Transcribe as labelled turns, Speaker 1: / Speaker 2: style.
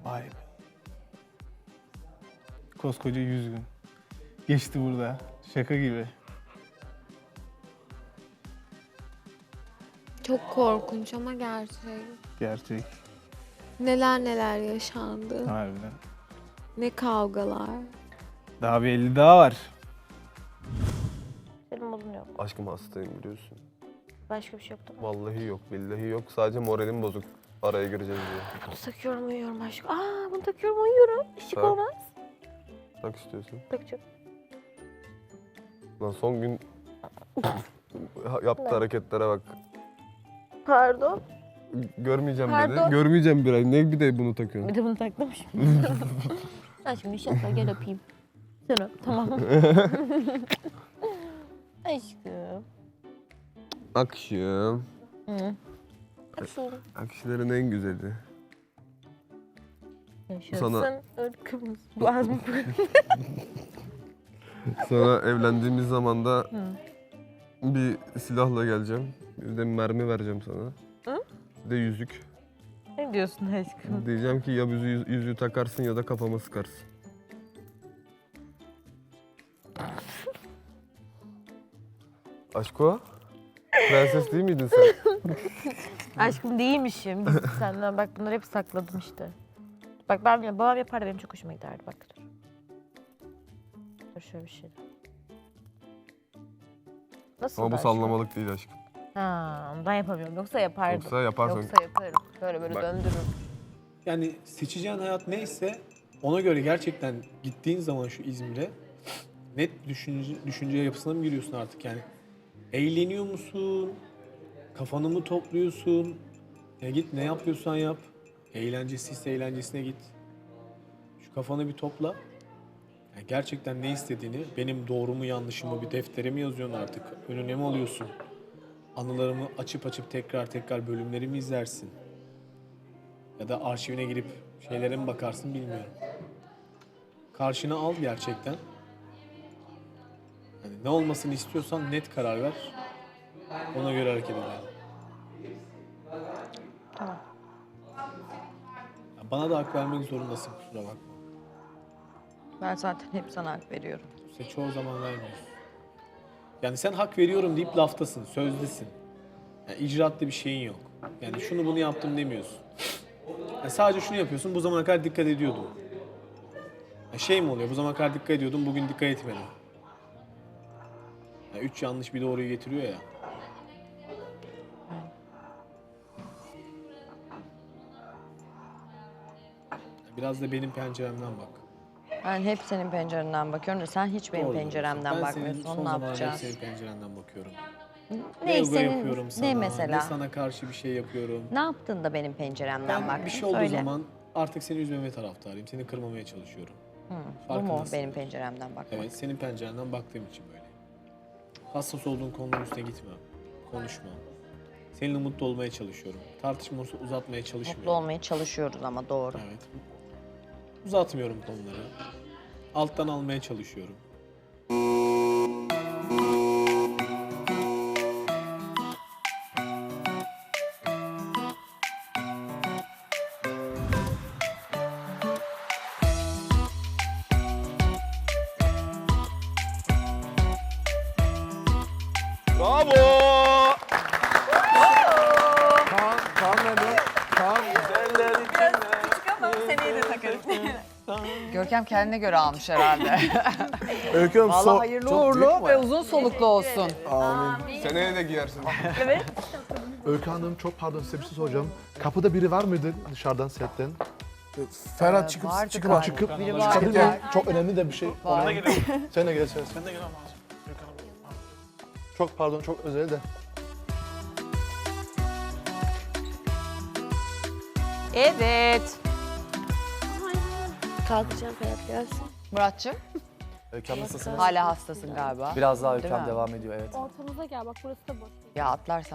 Speaker 1: Vay be. Koskoca 100 gün. Geçti burada. Şaka gibi.
Speaker 2: Çok korkunç ama gerçek.
Speaker 1: Gerçek.
Speaker 2: Neler neler yaşandı.
Speaker 1: Harbiden.
Speaker 2: Ne kavgalar.
Speaker 1: Daha bir 50 daha var.
Speaker 3: Benim bulunuyor.
Speaker 4: Aşkım hastayım biliyorsun.
Speaker 3: Başka bir şey yok değil mi?
Speaker 4: Vallahi yok, billahi yok. Sadece moralim bozuk. Araya gireceğiz diye.
Speaker 3: Bunu takıyorum uyuyorum aşkım. Bunu takıyorum uyuyorum. Şık
Speaker 4: Tak.
Speaker 3: olmaz.
Speaker 4: Tak istiyorsun.
Speaker 3: Takacağım.
Speaker 4: Lan son gün yaptığı hareketlere bak.
Speaker 3: Pardon.
Speaker 4: Görmeyeceğim
Speaker 3: Pardon.
Speaker 4: dedi. Görmeyeceğim bir ay. Ne bir de bunu takıyorsun?
Speaker 3: Bir de bunu taktım şimdi. Aşkım inşallah gel öpeyim. Sen öp tamam. Aşkım.
Speaker 4: Akşam.
Speaker 3: Hı. Aşkım.
Speaker 4: Akşamların en güzeli.
Speaker 3: Yaşasın
Speaker 4: Sana-
Speaker 3: ırkımız. Boğazım
Speaker 4: Sana evlendiğimiz zaman da bir silahla geleceğim. Bir de mermi vereceğim sana.
Speaker 3: Hı?
Speaker 4: Bir de yüzük.
Speaker 3: Ne diyorsun aşkım?
Speaker 4: Diyeceğim ki ya yüzüğü takarsın ya da kafama sıkarsın. Aşko? Prenses değil miydin sen?
Speaker 3: Aşkım değilmişim. Biz senden bak bunları hep sakladım işte. Bak ben bile babam yapardı benim çok hoşuma giderdi bak. Dur. Dur şöyle bir şey. Nasıl
Speaker 4: Ama bu
Speaker 3: aşkım?
Speaker 4: sallamalık değil aşkım.
Speaker 3: Ha, ondan yapamıyorum. Yoksa yapardım.
Speaker 4: Yoksa yaparsan...
Speaker 3: Yoksa yaparım. Böyle
Speaker 4: Bak.
Speaker 3: döndürürüm.
Speaker 5: Yani seçeceğin hayat neyse ona göre gerçekten gittiğin zaman şu İzmir'e net düşünce yapısına mı giriyorsun artık yani? Eğleniyor musun? Kafanı mı topluyorsun? Ya git ne yapıyorsan yap. Eğlencesiyse eğlencesine git. Şu kafanı bir topla. Yani gerçekten ne istediğini, benim doğru mu yanlışım mı bir deftere mi yazıyorsun artık? Önüne mi alıyorsun? Anılarımı açıp tekrar bölümlerimi izlersin. Ya da arşivine girip şeylere mi bakarsın bilmiyorum. Karşına al gerçekten. Yani ne olmasını istiyorsan net karar ver. Ona göre hareket edelim.
Speaker 3: Tamam.
Speaker 5: Ya bana da hak vermek zorundasın kusura bakma.
Speaker 6: Ben zaten hep sana hak veriyorum.
Speaker 5: İşte çoğu zaman vermiyorsun. Yani sen hak veriyorum deyip laftasın, sözdesin. Yani icraatlı bir şeyin yok. Yani şunu bunu yaptım demiyorsun. Yani sadece şunu yapıyorsun, bu zamana kadar dikkat ediyordum. Yani şey mi oluyor, bu zamana kadar dikkat ediyordum, bugün dikkat etmedim. Yani 3 yanlış bir doğruyu getiriyor ya. Biraz da benim penceremden bak.
Speaker 6: Ben hep senin pencerenden bakıyorum da sen hiç benim
Speaker 5: Doğru
Speaker 6: penceremden
Speaker 5: diyorsun.
Speaker 6: bakmıyorsun.
Speaker 5: Ben senin son
Speaker 6: Onu ne
Speaker 5: zamanlarda hep
Speaker 6: yapacağız?
Speaker 5: senin pencerenden bakıyorum.
Speaker 6: Ne
Speaker 5: ego
Speaker 6: senin,
Speaker 5: yapıyorum sana,
Speaker 6: ne mesela?
Speaker 5: ne sana karşı bir şey yapıyorum.
Speaker 6: Ne yaptın da benim penceremden
Speaker 5: Ben
Speaker 6: baktın?
Speaker 5: bir şey olduğu
Speaker 6: Söyle.
Speaker 5: zaman artık seni üzmeme taraftarıyım. Seni kırmamaya çalışıyorum.
Speaker 6: Bu mu
Speaker 5: farkındasın.
Speaker 6: benim penceremden bakmak?
Speaker 5: Evet, senin pencerenden baktığım için böyle. Hassas olduğun konuların üstüne gitmem. Konuşmam. Seninle mutlu olmaya çalışıyorum. Tartışma uzatmaya çalışmıyorum.
Speaker 6: Mutlu olmaya çalışıyoruz ama doğru.
Speaker 5: Evet. Uzatmıyorum konuları. Alttan almaya çalışıyorum.
Speaker 4: Bravo!
Speaker 1: Kaan nerede? Kaan.
Speaker 7: Görkem kendine göre almış herhalde.
Speaker 1: Öykü Hanım,
Speaker 7: Vallahi hayırlı uğurlu ve uzun soluklu olsun.
Speaker 4: Seneye de giyersin.
Speaker 8: Öykü Hanım çok pardon size bir şey soracağım. Kapıda biri var mıydı dışarıdan setten?
Speaker 1: Ferhat çıkıp
Speaker 7: Vardı
Speaker 1: çıkıp
Speaker 7: galiba.
Speaker 8: Çıkıp
Speaker 7: Biri
Speaker 8: çıkabilir
Speaker 7: vardı.
Speaker 8: miyim? Çok önemli de bir şey.
Speaker 7: Var.
Speaker 8: Sen de gel sen. Çok pardon çok özel de.
Speaker 6: Evet.
Speaker 3: Kalkacağım Ferhat gelsin.
Speaker 7: Muratçım,
Speaker 8: Öykü Hanım nasılsınız?
Speaker 7: hala hastasın galiba.
Speaker 9: Biraz daha
Speaker 7: Değil
Speaker 9: ülkem
Speaker 7: mi?
Speaker 9: devam ediyor evet.
Speaker 10: Ortamıza gel bak burası da boş.
Speaker 7: Ya atlarsan